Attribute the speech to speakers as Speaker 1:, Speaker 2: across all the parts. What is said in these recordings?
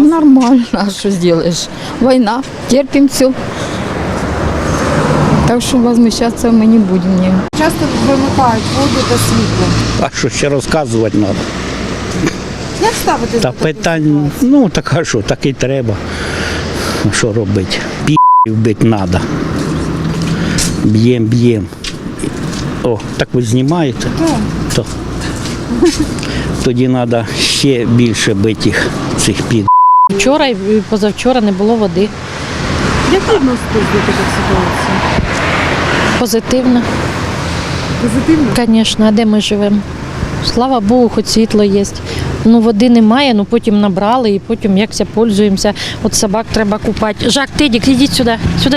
Speaker 1: Нормально, а что сделаешь? Война, терпим все. Так що возмущатися ми не будемо.
Speaker 2: Часто вимикають воду та світло.
Speaker 3: А що ще розказувати треба?
Speaker 2: Як ставитись
Speaker 3: Та
Speaker 2: до такої
Speaker 3: питань,
Speaker 2: ситуації?
Speaker 3: так а що, так і треба. Що робити? Бити треба. Б'єм. О, так ви знімаєте? То. Тоді треба ще більше бити їх, цих під.
Speaker 4: Вчора і позавчора не було води.
Speaker 2: Як відноситесь до таких ситуацій?
Speaker 4: Позитивно,
Speaker 2: Позитивно?
Speaker 4: звісно, а де ми живемо? Слава Богу, хоч світло є. Ну, води немає, ну потім набрали і потім якся пользуємося. От собак треба купати. Жак, Тедік, ідіть сюди.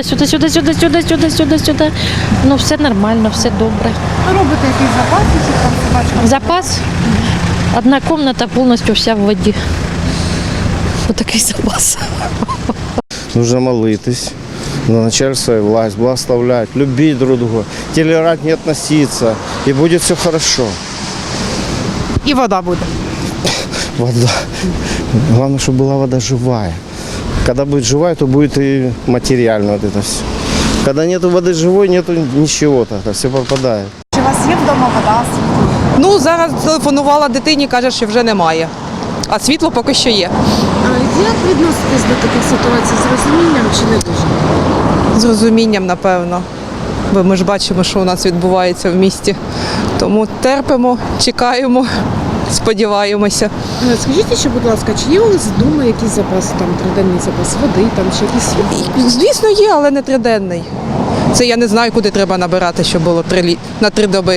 Speaker 4: Сюди. Ну, все нормально, все добре.
Speaker 2: Ви робите якісь запаси, щоб там собачка?
Speaker 4: Запас. Одна кімната повністю вся в воді. Отакий запас.
Speaker 5: Нужно молитись, на начальство и власть, благословлять, любить друг друга, толерантнее относиться, и будет все хорошо.
Speaker 2: І вода буде.
Speaker 5: Вода. Главное, чтобы была вода живая. Когда будет живая, то будет и материально вот это все. Когда нету воды живой, нету ничего, тогда все пропадает.
Speaker 2: Чи у вас є вдома вода, світло?
Speaker 6: Ну, зараз телефонувала дитині, каже, що вже немає. А світло поки що є.
Speaker 2: Як відноситесь до таких ситуацій? З розумінням чи не дуже?
Speaker 6: З розумінням, напевно. Бо ми ж бачимо, що у нас відбувається в місті. Тому терпимо, чекаємо, сподіваємося.
Speaker 2: Скажіть ще, будь ласка, чи є у вас вдома якісь запаси, там триденний запас води, там чи якісь світло?
Speaker 6: Звісно, є, але не триденний. Це я не знаю, куди треба набирати, щоб було на 3 доби.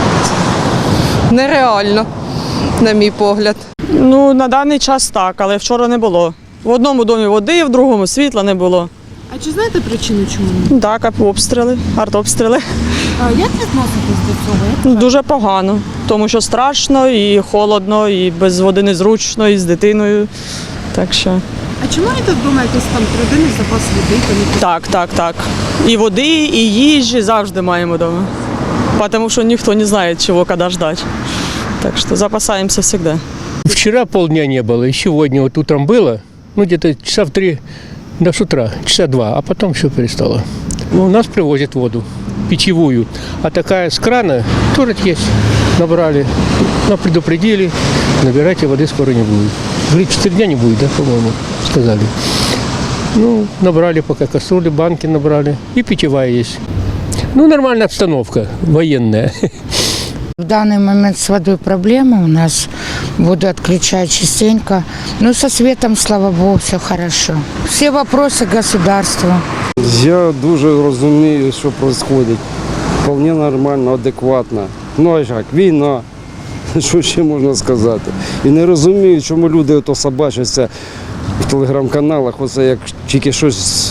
Speaker 6: Нереально, на мій погляд.
Speaker 7: Ну, на даний час так, але вчора не було. В одному домі води, в другому світла не було.
Speaker 2: А чи знаєте причину чому?
Speaker 7: Так, обстріли, артобстріли.
Speaker 2: Як відноситесь до цього?
Speaker 7: Дуже погано, тому що страшно і холодно, і без води незручно, і з дитиною. Так що
Speaker 2: А чи маєте вдома якийсь там триденний запас води?
Speaker 7: так. І води, і їжі завжди маємо вдома. Тому що ніхто не знає, чого, коли ждати. Так що запасаємося завжди.
Speaker 8: Вчера полдня не было, и сегодня вот утром было, ну где-то часа в 3 до с утра, часа 2, а потом все перестало. У нас привозят воду питьевую, а такая с крана тоже есть. Набрали, но предупредили, набирайте, воды скоро не будет. Говорит, 4 дня не будет, да, по-моему, сказали. Ну, набрали пока кастрюли, банки набрали, и питьевая есть. Ну, нормальная обстановка, военная.
Speaker 9: В данный момент с водой проблема у нас, воду отключают частенько, но со светом, слава богу, все хорошо. Все вопросы государства.
Speaker 5: Я дуже розумію, що відбувається. Вполне нормально, адекватно. Ну, а як, війна, що ще можна сказати. І не розумію, чому люди ото собачаться в телеграм-каналах, оце як тільки щось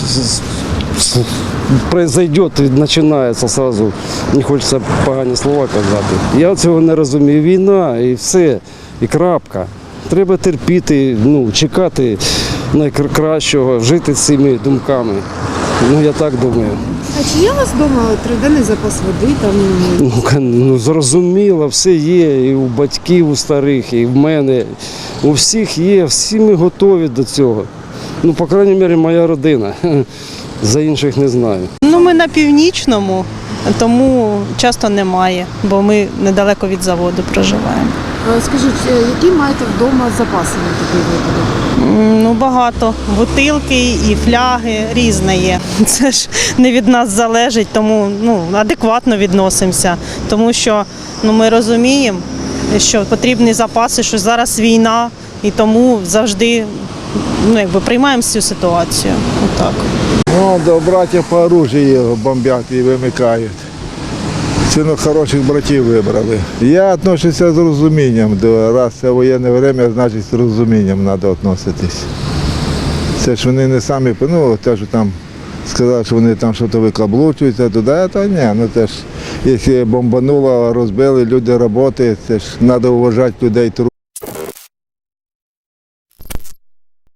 Speaker 5: произойде, і починається одразу, не хочеться погані слова казати. Я цього не розумію. Війна і все, і крапка. Треба терпіти, чекати найкращого, жити з цими думками. Я так думаю.
Speaker 2: А чи є у вас вдома триденний запас води? Там?
Speaker 5: Зрозуміло, все є, і у батьків, у старих, і в мене. У всіх є, всі ми готові до цього. По крайній мірі, моя родина. За інших не знаю.
Speaker 10: Ми на північному, тому часто немає, бо ми недалеко від заводу проживаємо.
Speaker 2: Скажіть, які маєте вдома запаси на такий випадок?
Speaker 10: Багато. Бутилки і фляги різне є. Це ж не від нас залежить, тому адекватно відносимося. Тому що ми розуміємо, що потрібні запаси, що зараз війна, і тому завжди приймаємо цю ситуацію. Отак.
Speaker 11: До братів по оружию бомбять і вимикають. Ціну хороших братів вибрали. Я відношуся з розумінням. Раз це воєнне время, значить з розумінням треба відноситись. Це ж вони не самі, те, що там сказали, що вони там щось викаблучуються туди, то ні. Теж, якщо бомбануло, розбили, люди працюють, це ж треба вважати людей.